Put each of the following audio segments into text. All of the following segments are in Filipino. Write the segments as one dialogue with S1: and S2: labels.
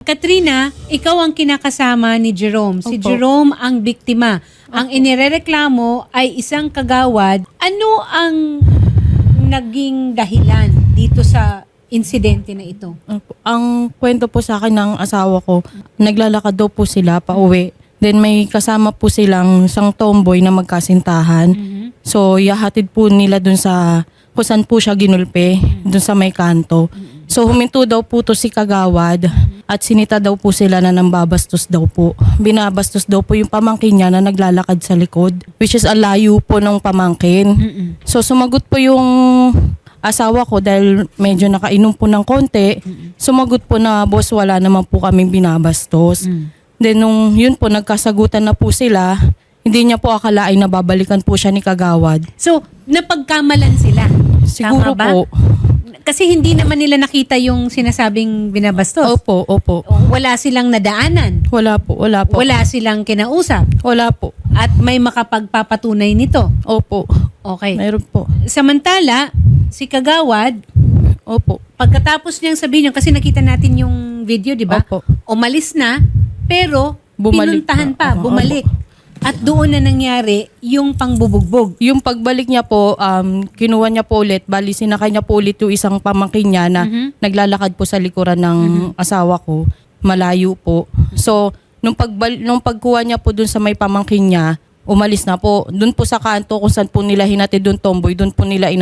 S1: Katrina, ikaw ang kinakasama ni Jerome. Si
S2: Opo.
S1: Jerome ang biktima. Ang inirereklamo ay isang kagawad. Ano ang naging dahilan dito sa insidente na ito?
S2: Opo. Ang kwento po sa akin ng asawa ko, naglalakad daw po sila pauwi. Then may kasama po silang isang tomboy na magkasintahan. So yahatid po nila dun sa kung saan po siya ginulpe, dun sa may kanto. So huminto daw po to si kagawad at sinita daw po sila na nambabastos daw po. Binabastos daw po yung pamangkin niya na naglalakad sa likod, which is ang layo po ng pamangkin. So sumagot po yung asawa ko dahil medyo nakainom po ng konti. Sumagot po na, boss, wala naman po kaming binabastos. Then nung yun po, nagkasagutan na po sila, hindi niya po akalain na babalikan po siya ni kagawad.
S1: So, napagkamalan sila.
S2: Siguro
S1: Tama ba?
S2: po.
S1: Kasi hindi naman nila nakita yung sinasabing binabastos.
S2: Opo, opo.
S1: Wala silang nadaanan.
S2: Wala po, wala po.
S1: Wala silang kinausap.
S2: Wala po.
S1: At may makapagpapatunay nito.
S2: Opo.
S1: Okay.
S2: Mayroon po.
S1: Samantala, si kagawad,
S2: Opo.
S1: pagkatapos niyang sabihin yun, kasi nakita natin yung video, di ba?
S2: Opo.
S1: Umalis na, pero
S2: Bumalik
S1: pinuntahan
S2: na.
S1: pa,
S2: Opo.
S1: bumalik. At doon na nangyari yung pangbubugbog.
S2: Yung pagbalik niya po, kinuha niya po ulit, bali sinakay niya po ulit yung isang pamangkin niya na naglalakad po sa likuran ng asawa ko, malayo po. So, nung pagkuha niya po dun sa may pamangkin niya, umalis na po. Dun po sa kanto kung saan po nila hinatid dun tomboy, dun po nila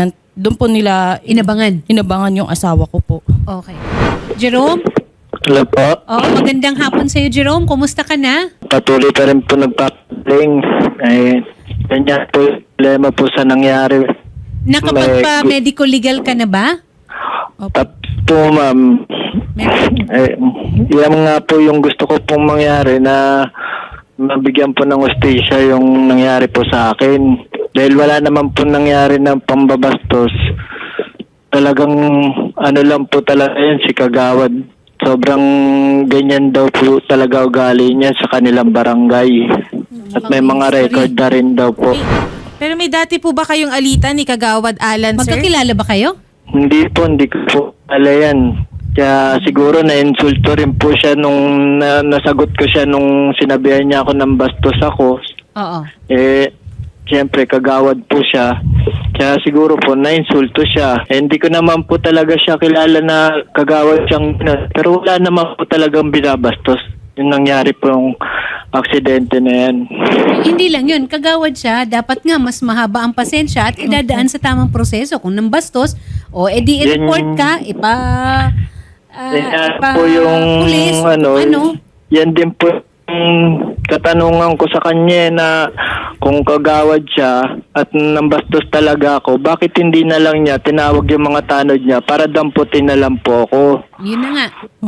S1: Inabangan.
S2: yung asawa ko po.
S1: Okay. Jerome?
S3: Hello po.
S1: Magandang hapon sa'yo, Jerome. Kumusta ka na?
S3: Patuloy pa rin po nagpapaling. Ganyan po yung problema po sa nangyari.
S1: Nakapagpa-medical legal ka na ba?
S3: Tapos po ma'am, yan nga po yung gusto ko pong mangyari na mabigyan po ng hustisya yung nangyari po sa akin. Dahil wala naman po nangyari ng pambabastos. Talagang ano lang po talaga yan si kagawad. Sobrang ganyan daw po talaga ugali niya sa kanilang barangay. At may mga record na rin daw po.
S4: Pero may dati po ba kayong alitan ni Kagawad Alan, sir?
S1: Magkakilala ba kayo?
S3: Hindi ko po ala yan. Kaya siguro na-insulto rin po siya nung nasagot ko siya nung sinabihan niya ako ng bastos ako.
S1: Oo.
S3: Siyempre kagawad po siya. Kaya siguro po na-insulto siya. Hindi ko naman po talaga siya kilala na kagawad siyang pero wala naman po talagang binabastos. Yung nangyari pong aksidente na yan.
S1: Hindi lang yun. Kagawad siya, dapat nga mas mahaba ang pasensya at idadaan sa tamang proseso. Kung nambastos, edi i-report ka,
S3: Yan po yung
S1: pulis,
S3: yan din po yung katanungan ko sa kanya na kung kagawad siya at nambastos talaga ako, bakit hindi na lang niya tinawag yung mga tanod niya para damputin na lang po ako.
S1: Yun na nga.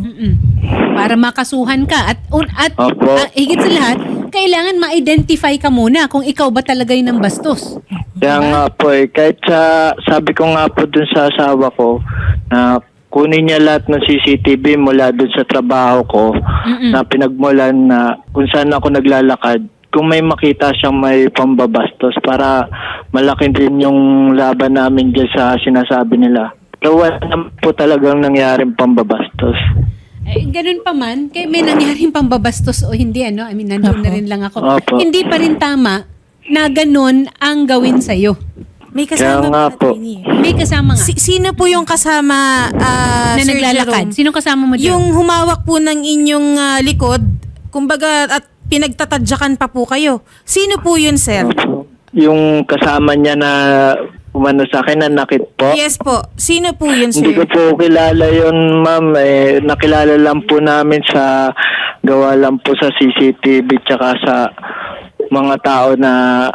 S1: Para makasuhan ka. At higit sa lahat, kailangan ma-identify ka muna kung ikaw ba talaga yung nambastos.
S3: Kaya nga po kahit sabi ko nga po dun sa asawa ko na kunin niya lahat ng CCTV mula dun sa trabaho ko na pinagmulan na kung saan ako naglalakad. Kung may makita siyang may pambabastos para malaki din yung laban namin dyan sa sinasabi nila. Pero wala naman po talagang nangyaring pambabastos.
S1: Ganun pa man, kaya may nangyaring pambabastos o hindi, nandun na rin lang ako.
S3: Opo.
S1: Hindi pa rin tama na ganun ang gawin sa'yo.
S4: May
S3: Kaya
S4: kasama
S3: nga po.
S1: May kasama nga.
S4: Sino po yung kasama,
S1: na
S4: Sir
S1: naglalakad.
S4: Jerome?
S1: Sinong kasama mo dyan?
S4: Yung humawak po ng inyong likod, kumbaga at pinagtatadyakan pa po kayo. Sino po yun, sir?
S3: Yung kasama niya na umano sa akin na nakit po.
S4: Yes po. Sino po yun,
S3: Hindi ko
S4: sir?
S3: po kilala yun, ma'am. Nakilala lang po namin sa gawa lang po sa CCTV tsaka sa mga tao na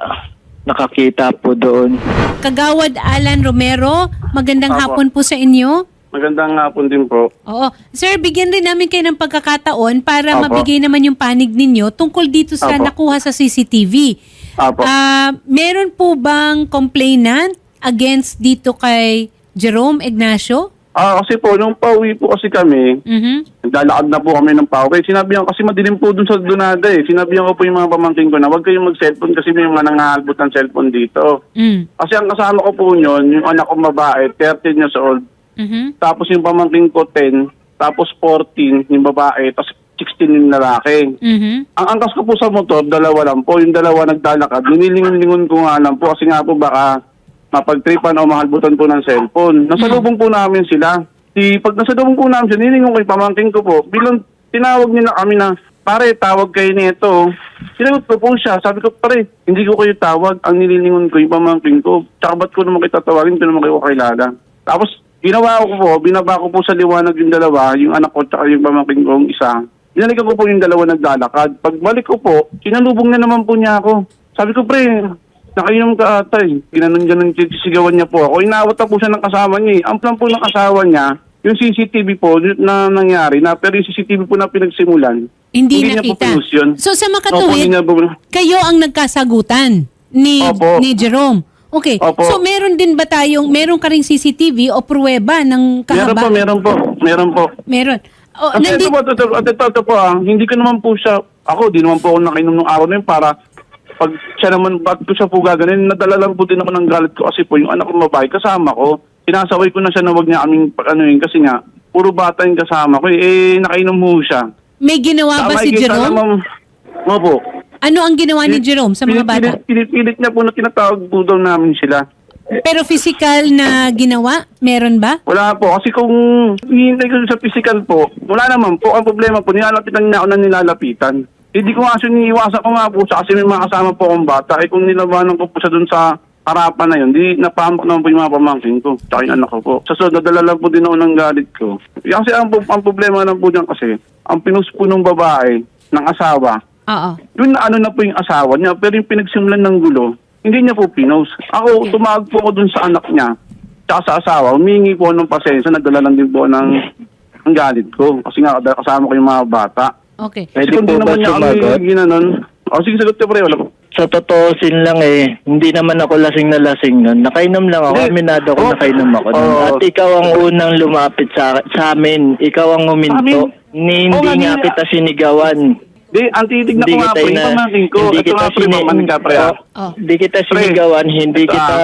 S3: nakakita po doon.
S1: Kagawad Alan Romero, magandang hapon po sa inyo.
S5: Magandang hapon din po.
S1: Oo. Sir, bigyan rin namin kayo ng pagkakataon para
S5: Apo.
S1: mabigay naman yung panig ninyo tungkol dito sa
S5: Apo.
S1: nakuha sa CCTV.
S5: Apo.
S1: Meron po bang complainant against dito kay Jerome Ignacio?
S5: Kasi po, nung pauwi po kasi kami, naglalakad na po kami ng pauwi. Sinabihan kasi madilim po dun sa Dunada eh. Sinabihan ko po yung mga pamangkin ko na huwag kayong mag-cellphone kasi may mga nangahalbot ng cellphone dito. Kasi ang kasama ko po yun, yung anak ko babae, 13 years old. Tapos yung pamangkin ko 10, tapos 14 yung babae, tapos 16 yung lalaki. Ang angkas ko po sa motor, dalawa lang po. Yung dalawa naglalakad. Ninilingon-lingon ko nga lang po kasi nga po baka mapagtripan o mahalbutan po ng cellphone. Nasalubong po namin sila. Pag nasalubong po namin sila, nilingon ko yung pamangkin ko po. Bilang tinawag nila kami na, pare, tawag kayo nito. Sinagot ko po siya. Sabi ko, pare, hindi ko kayo tawag. Ang nililingon ko yung pamangkin ko. Tsaka ba't ko naman kayo tatawagin? Ito naman kayo kakilala. Tapos, ginawa ko po, binaba ko po sa liwanag yung dalawa, yung anak ko tsaka yung pamangkin ko, yung isa. Binalikan ko po yung dalawa naglalakad. Pagbalik ko po, sinalubong na naman po niya ako. Sabi ko, pre, nakainom ka ata eh. Ginanon-ganon, sisigawan niya po ako. Inawat na po siya ng kasama niya eh. Ang plan po ng asawa niya, yung CCTV po na nangyari na, pero yung CCTV po na pinagsimulan,
S1: Hindi
S5: niya po
S1: nakita.
S5: pinus yun.
S1: So sa
S5: Opo,
S1: makatuwid,
S5: hindi niya po-
S1: kayo ang nagkasagutan
S5: Opo.
S1: ni Jerome. Okay.
S5: Opo.
S1: So meron din ba meron ka ring CCTV o pruweba ng kahaba?
S5: Meron po.
S1: Meron. O,
S5: Kasi ito po, hindi ko naman po siya, di naman po ako nakainom ng araw na yun para pag siya naman, ba't ko siya po gaganin, nadala lang po din ako ng galit ko kasi po yung anak ko babae kasama ko, sinasaway ko na siya na wag niya kaming kasi nga, puro bata yung kasama ko, nakainom mo siya.
S1: May ginawa ba si Jerome?
S5: Opo.
S1: Ano ang ginawa ni Jerome sa mga bata?
S5: Pinipilit niya po na tinatawag po daw namin sila.
S1: Pero physical na ginawa, meron ba?
S5: Wala po. Kasi kung hihintay ko sa physical po, wala naman po. Ang problema po, nilalapitan niya ako na nilalapitan. Hindi ko nga siniiwasan ko nga po siya kasi may mga kasama po akong bata. Kung nilabanan ko po siya dun sa harapan na yun, di napahamak naman po yung mga pamangkin ko. Tsaka yung anak ko po. Sa sunod, nadala lang po din ako ng galit ko. Kasi ang problema lang po dyan kasi, ang pinus po ng babae, ng asawa,
S1: Oo.
S5: yun na ano na po yung asawa niya, pero yung pinagsimulan ng gulo, hindi niya po pinost. Ako, tumawag po ako dun sa anak niya, tsaka sa asawa, humingi po ng pasensya, nagdala lang din po ng galit ko. Kasi nga, kasama ko yung mga bata.
S1: Okay.
S3: Pwede
S5: Kasi kung
S3: po
S5: di
S3: ba
S5: naman niya
S3: sumagot?
S5: kami ginanon, sige, sagot ka pre, wala po.
S3: Sa totoosin lang hindi naman ako lasing na lasing nun. Nakainom lang ako,
S5: Hindi.
S3: aminado ko nakainom ako nun. At ikaw ang unang lumapit sa amin. Ikaw ang huminto. Hindi nga kita sinigawan.
S5: Di, ang titig na ko nga pre, yung pamangkin ko.
S3: Hindi
S5: Ito
S3: kita
S5: nga pre, pamangkin ka pre.
S3: Hindi kita sinigawan, hindi kita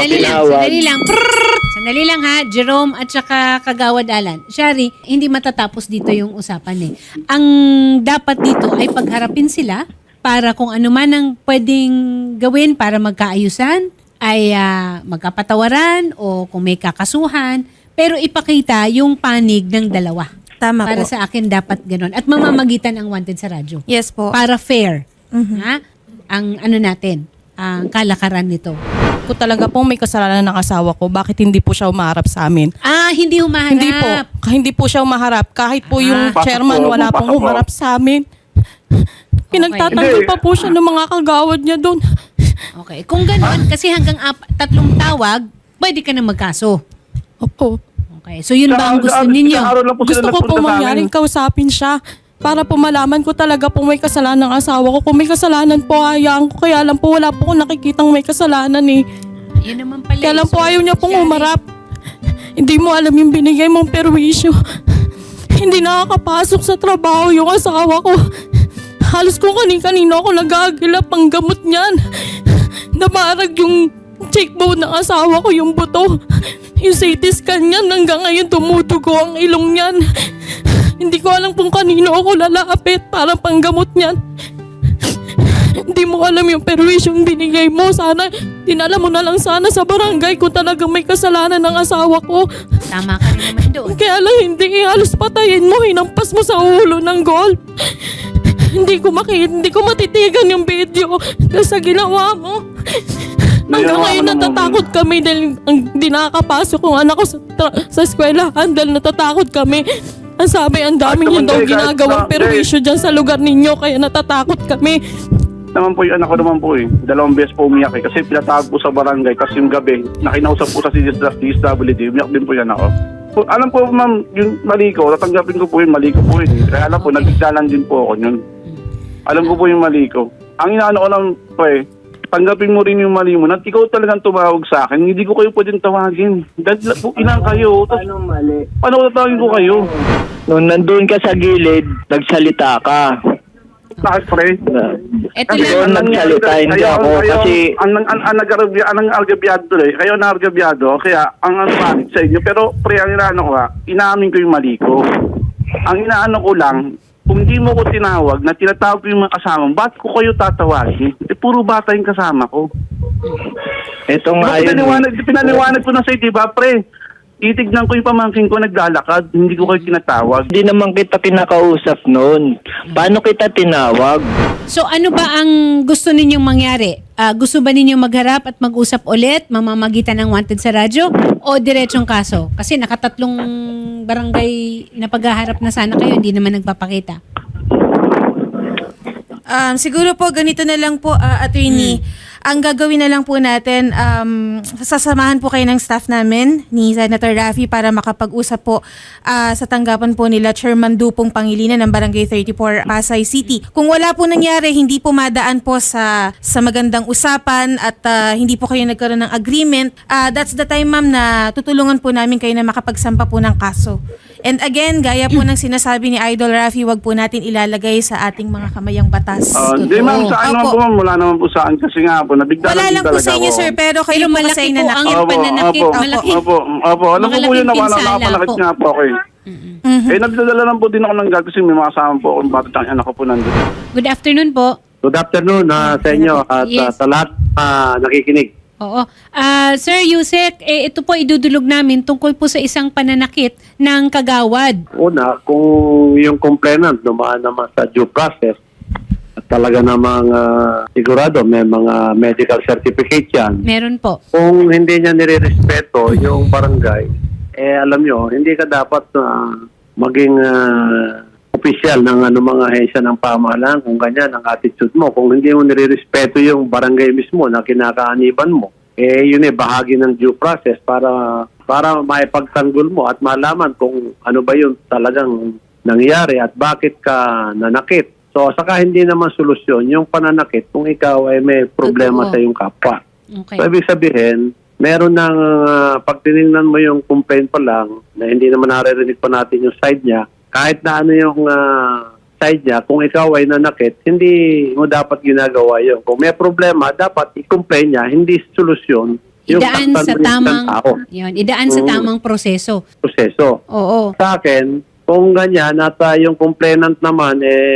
S1: Sandali lang ha, Jerome at saka Kagawad Alan. Shari, hindi matatapos dito yung usapan eh. Ang dapat dito ay pagharapin sila para kung ano man ang pwedeng gawin para magkaayusan ay magkapatawaran o kung may kakasuhan, pero ipakita yung panig ng dalawa.
S4: Tama
S1: Para
S4: po.
S1: sa akin dapat ganon. At mamamagitan ang wanted sa radyo.
S4: Yes po.
S1: Para fair. Ha? Ang ano natin, ang kalakaran nito.
S2: Kung talaga pong may kasalanan ng asawa ko, bakit hindi po siya umaharap sa amin?
S1: Hindi humaharap.
S2: Hindi po. Hindi po siya umaharap. Kahit po yung
S5: Pasok
S2: chairman,
S5: po,
S2: wala
S5: pasok
S2: pong
S5: po.
S2: umarap sa amin. Pinagtatanggol pa po siya ng mga kagawad niya doon.
S1: Okay. Kung gano'n, kasi hanggang 3 tawag, pwede ka na magkaso.
S2: Opo.
S1: Okay. So yun ba ang gusto ninyo?
S2: Gusto ko po mangyaring kausapin siya para po malaman ko talaga po may kasalanan ng asawa ko. Kung may kasalanan po, hayaan ko. Kaya lang po, wala po akong nakikitang may kasalanan eh.
S1: Yun naman pala.
S2: Kaya lang po ayaw niya pong
S1: Shari.
S2: umarap. Hindi mo alam yung binigay mong perwisyo. Hindi nakakapasok sa trabaho yung asawa ko. Halos kung kanino ako nag-aagilap ang gamot niyan. Namarag yung cheekbone ng asawa ko, yung buto. Yung CT scan niyan, hanggang ngayon tumutugo ang ilong niyan. Hindi ko alam kung kanino ako lalapit para panggamot niyan. Hindi mo alam yung perwisyong binigay mo. Sana, dinala mo na lang sana sa barangay kung talagang may kasalanan ng asawa ko.
S1: Tama ka rin naman doon.
S2: Kaya lang hindi, halos patayin mo, hinampas mo sa ulo ng golf. Hindi ko matitigan yung video dahil sa ginawa mo. Hanggang ngayon natatakot kami dahil hindi nakakapasok yung anak ko sa eskwelahan dahil natatakot kami. Ang sabi, ang dami niyo daw ginagawang perwisyo dyan sa lugar ninyo kaya natatakot kami.
S5: Naman po yung anak ko naman po 2 beses po umiyak kasi pinatawag po sa barangay kasi yung gabi, nakinausap po sa DSWD, umiyak din po yung anak ko. Alam po ma'am, yung mali ko, tatanggapin ko po yung mali ko po yun. Kaya alam po, nagigdalan din po ako yun. Alam ko po yung mali ko. Ang inaano ko lang po tanggapin mo rin yung mali mo. At ikaw talagang tumawag sa akin, hindi ko kayo pwedeng tawagin. Dahil po ilang kayo. Paano mali? Paano ko tatawagin ko kayo?
S3: Nung nandun ka sa gilid, nagsalita ka.
S5: Bakit pre?
S1: Ito
S3: Ikaw
S1: lang.
S3: nagsalita, hindi ako. Kasi
S5: Ang argabyado kayo na argabyado, kaya ang bakit sa inyo. Pero pre, ang inaano ko inamin ko yung mali ko. Ang inaano ko lang, kung hindi mo ko tinawag, na tinatawag ko yung mga kasama, ba't ko kayo tatawagin? Puro bata yung kasama ko.
S3: Ito nga
S5: Pinaliwanag ko na sa'yo, di ba, pre? Titignan ko yung pamangkin ko naglalakad, hindi ko kayo tinatawag.
S3: Hindi naman kita kinakausap noon. Paano kita tinawag?
S1: So ano ba ang gusto ninyong mangyari? Gusto ba ninyong magharap at mag-usap ulit, mamamagitan ng wanted sa radyo, o diretsong kaso? Kasi nakatatlong barangay na paghaharap na sana kayo, hindi naman nagpapakita.
S4: Siguro po, ganito na lang po, attorney. Ang gagawin na lang po natin, sasamahan po kayo ng staff namin ni Senator Raffy para makapag-usap po sa tanggapan po nila Chairman Dupong Pangilinan ng Barangay 34 Pasay City. Kung wala po nangyari, hindi po madaan po sa magandang usapan at hindi po kayo nagkaroon ng agreement, that's the time, ma'am, na tutulungan po namin kayo na makapagsampa po ng kaso. And again, gaya po ng sinasabi ni Idol Raffy, wag po natin ilalagay sa ating mga kamayang batas.
S5: Hindi ma'am, sa akin naman
S4: Opo.
S5: po ma'am, wala naman po sa akin kasi nga po, nabigla
S4: Wala lang po sa inyo, sir, pero kayo po
S1: malaki
S4: kasi
S1: po ang
S4: nanakit.
S1: pananakit. Malaki.
S5: Opo. Alam ko po yun na
S1: Malaking
S5: nakapalakit
S1: pinsala
S5: nga po ako eh. Nagdadala lang po din ako ng gag kasi may mga kasama po ako ng batang anak ko po nandun.
S1: Good afternoon po.
S6: Good afternoon sa inyo at
S1: Yes.
S6: sa lahat nakikinig.
S1: Oo. Sir Yusek, ito po idudulog namin tungkol po sa isang pananakit ng kagawad.
S6: Una, kung yung complainant dumaan naman sa due process at talaga namang sigurado may mga medical certificate yan.
S1: Meron po.
S6: Kung hindi niya nirerespeto yung barangay, alam nyo, hindi ka dapat maging official ng mga ahensya ng pamahalaan kung ganyan ang attitude mo. Kung hindi mo nirerespeto yung barangay mismo na kinakaaniban mo, yun bahagi ng due process para maipagtanggol mo at malaman kung ano ba yung talagang nangyari at bakit ka nanakit. So, saka hindi naman solusyon yung pananakit kung ikaw ay may problema
S1: Totoo.
S6: sa iyong kapwa.
S1: Okay.
S6: So, ibig sabihin, meron ng pag tinignan mo yung complaint pa lang na hindi naman naririnig pa natin yung side niya, kahit na ano yung side niya, kung ikaw ay nanakit, hindi mo dapat ginagawa yun. Kung may problema, dapat i-complain niya, hindi solusyon yung
S1: Idaan sa
S6: taktan mo ng
S1: tamang
S6: tao.
S1: yun, idaan sa tamang proseso.
S6: Proseso.
S1: Oo.
S6: Sa akin, kung ganyan at yung complainant naman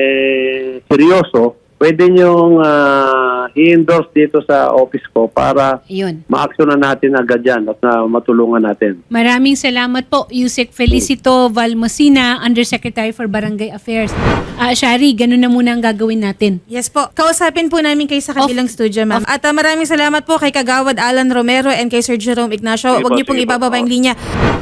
S6: seryoso, pwede niyong i-endorse dito sa office ko para
S1: Yun.
S6: ma-actionan natin agad yan at matulungan natin.
S1: Maraming salamat po, Yusek Felicito Valmosina, Undersecretary for Barangay Affairs. Shari, ganun na muna ang gagawin natin.
S4: Yes po. Kausapin po namin kayo sa kabilang studio, ma'am. At maraming salamat po kay Kagawad Alan Romero and kay Sir Jerome Ignacio.
S5: Sige
S4: Huwag
S5: po,
S4: niyo pong
S5: sige po.
S4: ibababa yung linya.